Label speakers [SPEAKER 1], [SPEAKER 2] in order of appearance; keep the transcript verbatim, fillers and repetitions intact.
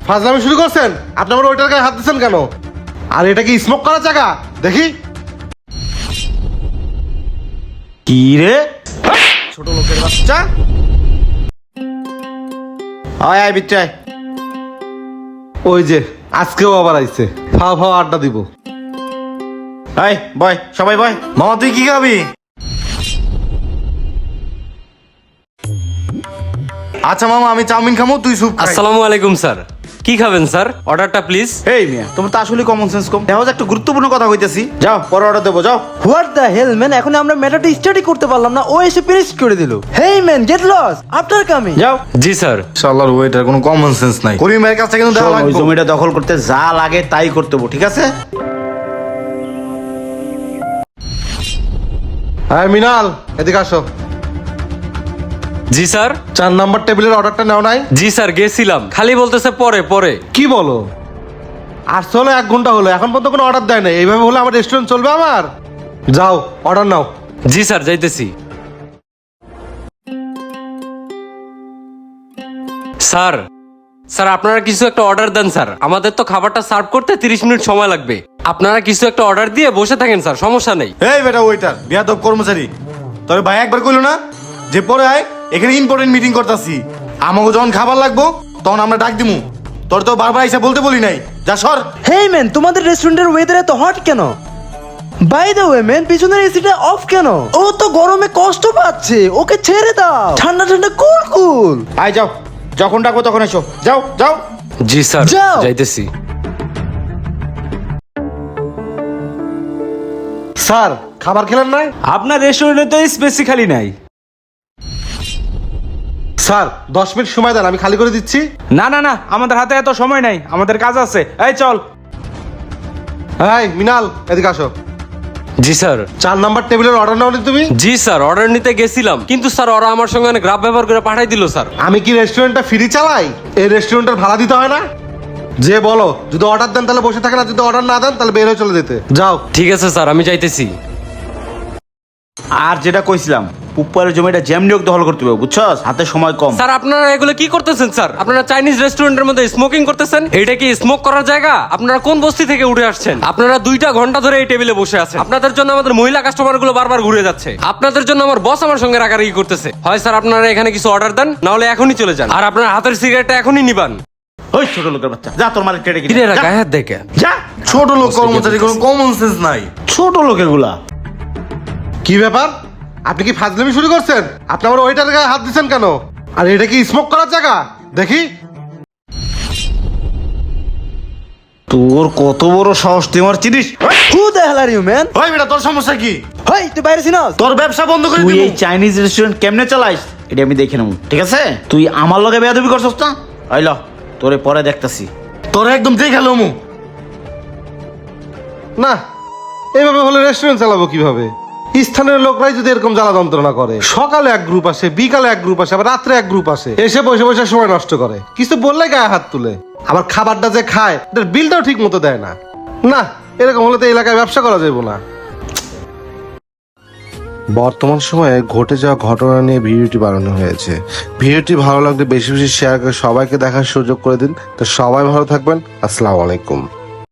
[SPEAKER 1] ফাজলামি শুরু করছেন? আপনি আমার ওইটার গায়ে হাত দিচ্ছেন কেন? আর এটা কি স্মোক করার জায়গা? দেখি।
[SPEAKER 2] কি রে
[SPEAKER 1] ছোট লোকের বাচ্চা।
[SPEAKER 2] আয় আয় বিচ্ছায়।
[SPEAKER 1] ওই যে আজকেও আবার আইছে, ফাও ফাও আড্ডা দিব।
[SPEAKER 2] আয় বয়, সবাই বয়। মামা তুই কি খাবি? আচ্ছা মামা আমি চাউমিন খামো, তুই স্যুপ খাই।
[SPEAKER 3] আসসালামু আলাইকুম স্যার, কি খাবেন স্যার? অর্ডারটা প্লিজ।
[SPEAKER 2] এই মিয়া তোমার তো আসলে কমন সেন্স কম। দেখো একটা গুরুত্বপূর্ণ কথা কইতেছি, যাও পরে অর্ডার দেবো, যাও।
[SPEAKER 4] হোয়াট দ্য হেল ম্যান, এখন আমরা ম্যাটারটা স্টাডি করতে পারলাম না, ও এসে ফিনিশ করে দিল। Hey man, get lost, after coming.
[SPEAKER 2] যাও।
[SPEAKER 3] জি স্যার।
[SPEAKER 2] শালার ওয়েটার কোনো কমন সেন্স নাই। করিম ভাইয়ের কাছে কিন্তু দেখা লাগবে। ওই জমিটা দখল করতে যা লাগে তাই করতে হবে, ঠিক আছে?
[SPEAKER 1] হ্যাঁ মিনাল, এদিকে আসো।
[SPEAKER 3] জি স্যার।
[SPEAKER 1] চার নাম্বার টেবিলের অর্ডারটা নাও নাই?
[SPEAKER 3] জি স্যার, গেছিলাম, খালি বলতেছে পরে পরে।
[SPEAKER 1] কি বলো? আসতে হলো এক ঘন্টা হলো, এখন পর্যন্ত কোনো অর্ডার দেয় না। এইভাবে হলে আমার রেস্টুরেন্ট চলবে আমার? যাও অর্ডার নাও।
[SPEAKER 3] জি স্যার, যাইতেছি। স্যার স্যার আপনারা কিছু একটা অর্ডার দেন স্যার, আমাদের তো খাবারটা সার্ভ করতে তিরিশ মিনিট সময় লাগবে। আপনারা কিছু একটা অর্ডার দিয়ে বসে থাকেন স্যার, সমস্যা নেই।
[SPEAKER 2] এই বেটা ওয়েটার, বিয়াদব কর্মচারী, তবে ভাই একবার কইলো না যে পরে আয়, এখানে ইম্পর্টেন্ট মিটিং করতেছি। আমাকে যখন খাবার লাগবো তখন আমরা ডাক দিমু, তোর তো বারবার এসে বলতে বলি নাই। যা সর।
[SPEAKER 4] হেই ম্যান, তোমাদের রেস্টুরেন্টের ওয়েদার এত হট কেন? বাই দ্য ওয়ে ম্যান, পিছনের এসিটা অফ কেন? ও তো গরমে কষ্ট পাচ্ছে, ওকে ছেড়ে দাও। ঠান্ডা ঠান্ডা কুল কুল।
[SPEAKER 2] আয় যাও, যখন ডাকবো তখন এসো, যাও যাও।
[SPEAKER 3] জি স্যার,
[SPEAKER 4] যাও।
[SPEAKER 3] যাইতেছি।
[SPEAKER 1] স্যার খাবার খেলেন নাই?
[SPEAKER 5] আপনার রেস্টুরেন্টে তো স্পেসি খালি নাই।
[SPEAKER 1] স্যার দশ মিনিট সময় দেন, আমি খালি করে দিচ্ছি।
[SPEAKER 5] না না না, আমাদের হাতে এত সময় নাই, আমাদের কাজ আছে। এই চল।
[SPEAKER 1] হ্যাঁ মিনাল, এদিকে আসো।
[SPEAKER 3] জি স্যার।
[SPEAKER 1] চার নাম্বার টেবিলের অর্ডার নাও নি তুমি?
[SPEAKER 3] জি স্যার, অর্ডার নিতে গেছিলাম, কিন্তু স্যার ওরা আমার সঙ্গে অনেক গ্রাফ ব্যবহার করে পাঠাই দিল স্যার।
[SPEAKER 1] আমি কি রেস্টুরেন্টটা ফ্রি চালাই? এই রেস্টুরেন্টের ভাড়া দিতে হয় না? যে বলো, যদি অর্ডার দেন তাহলে বসে থাকেন, আর যদি অর্ডার না দেন তাহলে বের হয়ে চলে যেতে। যাও।
[SPEAKER 3] ঠিক আছে স্যার, আমি যাইতেছি।
[SPEAKER 2] আর যেটা কইছিলাম, পুপ্পারের জমিটা যেমনিয়োগ দখল করতে হবে, বুঝছস? হাতে সময় কম।
[SPEAKER 3] স্যার আপনারা এগুলো কি করতেছেন স্যার? আপনারা চাইনিজ রেস্টুরেন্টের মধ্যে স্মোকিং করতেছেন, এটা কি স্মোক করার জায়গা? আপনারা কোন বস্তি থেকে উঠে আসছেন? আপনারা দুইটা ঘন্টা ধরে এই টেবিলে বসে আছেন, আপনাদের জন্য আমাদের মহিলা কাস্টমার গুলো বারবার ঘুরে যাচ্ছে, আপনাদের জন্য আমার বস আমার সঙ্গে রাগারাগি করতেছে। হয় স্যার আপনারা এখানে কিছু অর্ডার দেন, না হলে এখনই চলে যান, আর আপনার হাতের সিগারেটটা এখনই নিবান।
[SPEAKER 2] ওই ছোট লোকের বাচ্চা, যা তোর মালিক টেড়ে
[SPEAKER 3] কিরে গায়ে হাত দেখে।
[SPEAKER 2] যা। ছোট লোক কর্মচারী, কোনো কমন সেন্স নাই। ছোট লোক এগুলা।
[SPEAKER 1] কি ব্যাপার? আপনি কি ফাজলামি শুরু করছেন? আপনি আমার ওইটার গায়ে হাত দিচ্ছেন কেন? আর এটা কি স্মোক করার জায়গা? দেখি।
[SPEAKER 2] তোর কত বড় সাহস, তুই আমার চিনিস?
[SPEAKER 4] Who the hell are you man?
[SPEAKER 2] ওই বেটা তোর সমস্যা কি?
[SPEAKER 4] হেই, তুই বাইরে ছিনাস?
[SPEAKER 2] তোর ব্যবসা বন্ধ করে দিবি। তুই এই চাইনিজ রেস্টুরেন্ট কেমনে চালাইস এটা আমি দেখে নেব, ঠিক আছে? তুই আমার লগে বেয়াদবি করছস না? আইল তোরে পরে দেখতাছি। তোরে একদম দেখে লমু
[SPEAKER 1] না, এইভাবে হলে রেস্টুরেন্ট চালাবো কিভাবে? স্থানীয় লোকরাই যদি এরকম জ্বালা যন্ত্রণা করে, সকালে এক গ্রুপ আসে, বিকালে এক গ্রুপ আসে, আবার রাত্রে এক গ্রুপ আসে, এসে বসে বসে সময় নষ্ট করে, কিছু বললে গায়ে হাত তুলে, আবার খাবারটা যে খায় এটার বিলটাও ঠিক মতো দেয় না। না, এরকম হলে তো এই এলাকায় ব্যবসা করা যাবে না।
[SPEAKER 6] বর্তমান সময়ে ঘটে যাওয়া ঘটনা নিয়ে ভিডিওটি বানানো হয়েছে। ভিডিওটি ভালো লাগলে বেশি বেশি শেয়ার করে সবাইকে দেখার সুযোগ করে দিন। তো সবাই ভালো থাকবেন। আসসালামু আলাইকুম।